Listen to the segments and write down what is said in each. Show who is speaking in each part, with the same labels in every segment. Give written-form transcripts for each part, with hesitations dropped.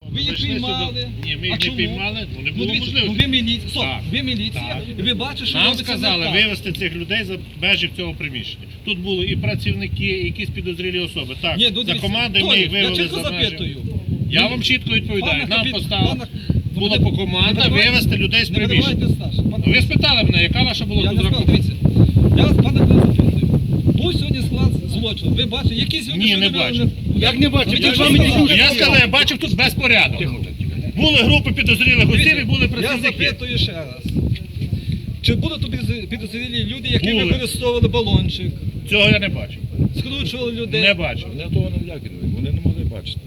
Speaker 1: Ви їх піймали.
Speaker 2: Ні, ми їх не піймали, бо не було можливості.
Speaker 1: Ви міліція, ви міліція, і ви бачите, що
Speaker 2: нам
Speaker 1: робиться
Speaker 2: сказали
Speaker 1: не так.
Speaker 2: вивезти цих людей за межі цього приміщення. Тут були і працівники, і якісь підозрілі особи. Так,
Speaker 1: Ні, ну,
Speaker 2: за командою ми їх вивели за межі. Я вам чітко відповідаю. Нам поставили, була по команда вивезти людей з приміщення. Ви спитали мене, яка ваша була тут рахунок?
Speaker 1: Дивіться, я вас, пане Клас, запитую. Був сьогодні склад злочину. Ви бачите, якісь люди...
Speaker 2: Ні, не бачив.
Speaker 1: Як не бачив?
Speaker 2: Я сказав, я бачив тут безпорядок. Були групи підозрілих осіб і були
Speaker 1: Я
Speaker 2: працівники.
Speaker 1: запитую ще раз. Чи були тут підозрілі люди, які
Speaker 2: Були.
Speaker 1: використовували балончик,
Speaker 2: Цього я не бачив.
Speaker 1: скручували людей?
Speaker 2: Не бачив.
Speaker 3: Вони того не влякнули, вони не могли бачити.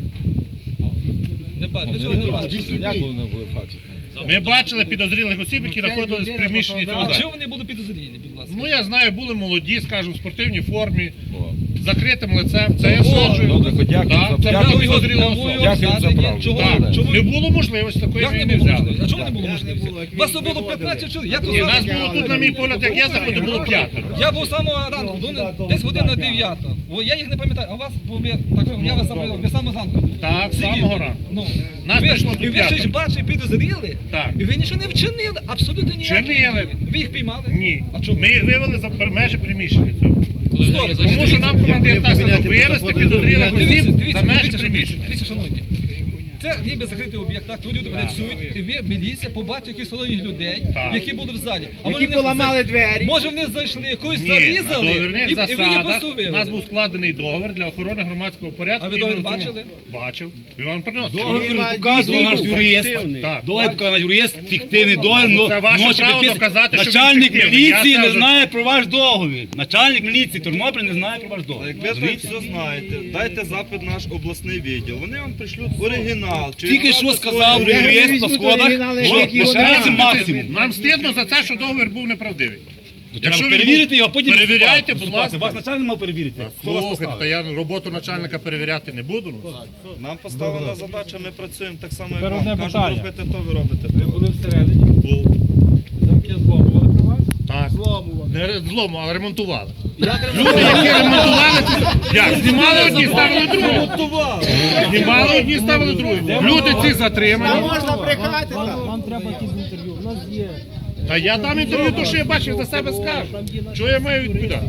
Speaker 1: Не бачив. Ви цього не бачите.
Speaker 3: Як вони були бачити?
Speaker 2: Ми бачили підозрілих осіб, які знаходились в приміщенні цього
Speaker 1: А
Speaker 2: залу.
Speaker 1: чого вони були підозрілі, будь ласка?
Speaker 2: Ну я знаю, були молоді, скажімо, в спортивній формі, з закритим лицем. Це я стверджую.
Speaker 3: Добре, хоч дякую
Speaker 2: Так,
Speaker 3: за
Speaker 2: це
Speaker 3: правду.
Speaker 2: були підозрілі особи.
Speaker 3: Дякую за правду.
Speaker 1: Чого?
Speaker 2: Так,
Speaker 1: Чому?
Speaker 2: не було можливості, такої
Speaker 1: Як
Speaker 2: ми
Speaker 1: не
Speaker 2: не
Speaker 1: було
Speaker 2: взяли.
Speaker 1: можливості? А чому не було можливості? Вас тут було 15 чоловік. Як
Speaker 2: І
Speaker 1: ви
Speaker 2: нас
Speaker 1: зараз?
Speaker 2: було тут, на мій погляд, як я заходив, було 5.
Speaker 1: Я був з самого ранку, десь година 9. Я їх не пам'ятаю, а у вас, я вас саме, ви саме зранку.
Speaker 2: Так, з самого ранку.
Speaker 1: Ну,
Speaker 2: Нас
Speaker 1: ви,
Speaker 2: прийшло
Speaker 1: і
Speaker 2: до
Speaker 1: ви щось
Speaker 2: п'ятого.
Speaker 1: бачили, підозріли,
Speaker 2: Так.
Speaker 1: і ви нічого не вчинили, абсолютно ніяк.
Speaker 2: Вчинили.
Speaker 1: Ви їх піймали?
Speaker 2: Ні.
Speaker 1: А чому?
Speaker 2: Ми їх вивели за межі приміщення цього.
Speaker 1: Стоп,
Speaker 2: Тому що нам командир так сказав, вивезти підозрілих осіб за межі
Speaker 1: Дивіться,
Speaker 2: приміщення.
Speaker 1: дивіться, шановні. Це ніби закритий об'єкт, так, тут люди працюють, і ви, міліція, побачите якихось сторонніх людей,
Speaker 2: Так.
Speaker 1: які були в залі. А
Speaker 4: Які поламали двері.
Speaker 1: Може вони зайшли, якусь
Speaker 2: Ні, на
Speaker 1: зарізали,
Speaker 2: договірних
Speaker 1: і ви їх
Speaker 2: засадах
Speaker 1: посувили.
Speaker 2: у нас був складений договір для охорони громадського порядку.
Speaker 1: А ви
Speaker 2: і
Speaker 1: договір
Speaker 2: ми цьому-
Speaker 1: бачили?
Speaker 2: Бачив. І вам приносив.
Speaker 4: Договір
Speaker 5: Показує наш юрист.
Speaker 2: Так.
Speaker 5: Договір показує наш юрист, фіктивний договір.
Speaker 2: Це ваше
Speaker 5: ночі
Speaker 2: право
Speaker 5: підписаний.
Speaker 2: доказати, що він
Speaker 5: Начальник
Speaker 2: фіктивний.
Speaker 5: міліції
Speaker 2: Я
Speaker 5: не
Speaker 2: скажу-
Speaker 5: знає про ваш договір. Начальник міліції Тернопіль не знає про ваш договір.
Speaker 6: Як ви так
Speaker 5: Розумієте?
Speaker 6: все знаєте, дайте запит наш обласний відділ. Вони вам пришлють оригінал. Чи
Speaker 5: Тільки що
Speaker 6: запит
Speaker 5: сказав
Speaker 6: свого
Speaker 5: юрист на
Speaker 4: візьмуть
Speaker 5: сходах,
Speaker 4: оригінали,
Speaker 5: що
Speaker 4: які
Speaker 5: лишається
Speaker 4: вони-
Speaker 5: максимум.
Speaker 2: Нам стидно за те, що договір був неправдивий.
Speaker 5: Треба
Speaker 2: він
Speaker 5: перевірити
Speaker 2: був-
Speaker 5: його, а потім
Speaker 2: перевіряйте,
Speaker 5: виступати.
Speaker 2: будь ласка.
Speaker 5: Вас начальник мав перевірити. Хто вас
Speaker 2: Слухайте,
Speaker 5: поставив?
Speaker 2: та я роботу начальника перевіряти не буду. ну.
Speaker 6: Нам поставлена задача, ми працюємо так само, як вам. Кажуть, робити то, ви робите.
Speaker 3: Були всередині,
Speaker 2: Був.
Speaker 3: замки зломували при вас?
Speaker 2: Так. Не злому, але ремонтували. Люди, які ремонтували, як? Знімали одні, ставили другі. Знімали одні, ставили другі. Люди ці затримані.
Speaker 4: Можна брехати так.
Speaker 3: Вам треба якісь інтерв'ю. У нас є.
Speaker 2: Та я дам інтерв'ю, то що я бачив, за себе скажу. Що я маю відповідати?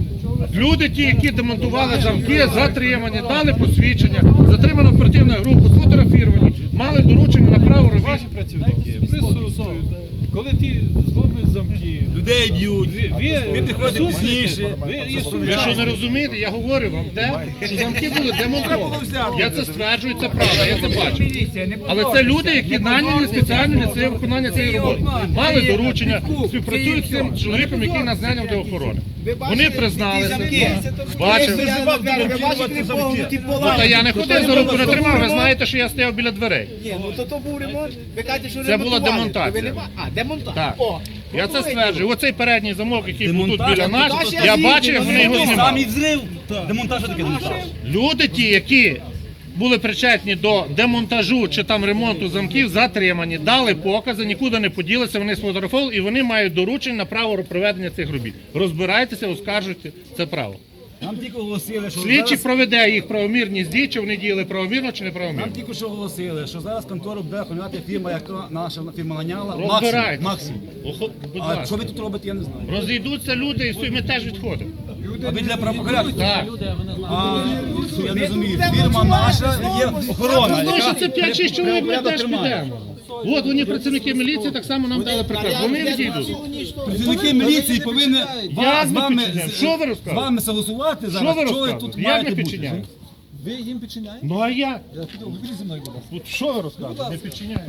Speaker 2: Люди ті, які демонтували замки, затримані, дали посвідчення, затримано оперативну групу, сфотографіровані, мали доручення на право робити.
Speaker 3: Ваші працівники присутствують. Коли ті зломують замки,
Speaker 5: Людей б'ють,
Speaker 3: ви
Speaker 5: підходять пізніше.
Speaker 2: Ви що не розумієте? Я говорю вам те, що замки були демонтовані. Я це стверджую, це правда, я це бачу. Але це люди, які наняні спеціально для цього виконання цієї роботи. Мали доручення, співпрацюють з цим чоловіком, який нас наняв для охорони. Вони призналися, бачив.
Speaker 4: Ви бачите, погнуті
Speaker 2: Ну,
Speaker 4: поламані.
Speaker 2: та я не ходив за руку не тримав, ви знаєте, що я стояв біля дверей.
Speaker 4: Ні, ну то був ремонт. Ви кажете, що
Speaker 2: Це була
Speaker 4: ремонтували.
Speaker 2: демонтація.
Speaker 4: Ви не ба- А, демонтаж.
Speaker 2: Так.
Speaker 4: О,
Speaker 2: Я це стверджую. Оцей передній замок, який був тут
Speaker 5: Демонтаж.
Speaker 2: біля нас,
Speaker 4: Демонтаж
Speaker 2: я
Speaker 4: я
Speaker 2: бачив, як вони його
Speaker 5: Самі
Speaker 2: знімали.
Speaker 5: взрив. Демонтаж таке демонтаж.
Speaker 2: Люди ті, які були причетні до демонтажу чи там ремонту замків, затримані, дали покази, нікуди не поділися, вони сфотографували і вони мають доручення на право проведення цих робіт. Розбирайтеся, оскаржуйте це право.
Speaker 5: Нам тільки оголосили, що
Speaker 2: Слідчий
Speaker 5: зараз...
Speaker 2: проведе їх правомірність дій, чи вони діяли правомірно чи
Speaker 5: Нам
Speaker 2: неправомірно.
Speaker 5: тільки що оголосили, що зараз контору буде охороняти фірма, яка наша фірма наняла.
Speaker 2: Розбирайтеся.
Speaker 5: Максимум.
Speaker 2: Будь
Speaker 5: А що
Speaker 2: ласка.
Speaker 5: ви тут робите, я не знаю.
Speaker 2: Розійдуться люди і все, і ми теж відходимо.
Speaker 5: А ви для правопорядку?
Speaker 2: Так.
Speaker 5: А, я не розумію. Фірма наша є охорона,
Speaker 2: Ну, що
Speaker 5: яка
Speaker 2: це 5-6 чоловік, ми
Speaker 5: порядок
Speaker 2: теж
Speaker 5: тримає.
Speaker 2: підемо. От вони працівники міліції так само нам дали приказ. Вони відійдуть.
Speaker 5: Працівники міліції повинні
Speaker 2: Як
Speaker 5: з
Speaker 2: ми
Speaker 5: вами,
Speaker 2: підчиняємо? Що ви
Speaker 5: з
Speaker 2: розказуєте?
Speaker 5: вами согласувати
Speaker 2: Що
Speaker 5: зараз,
Speaker 2: ви
Speaker 5: що ви
Speaker 2: розказуєте?
Speaker 5: тут
Speaker 2: Як
Speaker 5: маєте
Speaker 2: ми
Speaker 5: бути.
Speaker 2: підчиняємо?
Speaker 1: Ви їм підчиняєте?
Speaker 2: Ну а як?
Speaker 1: Ви зі мною, будь ласка.
Speaker 2: От що ви розказуєте? Не підчиняємо.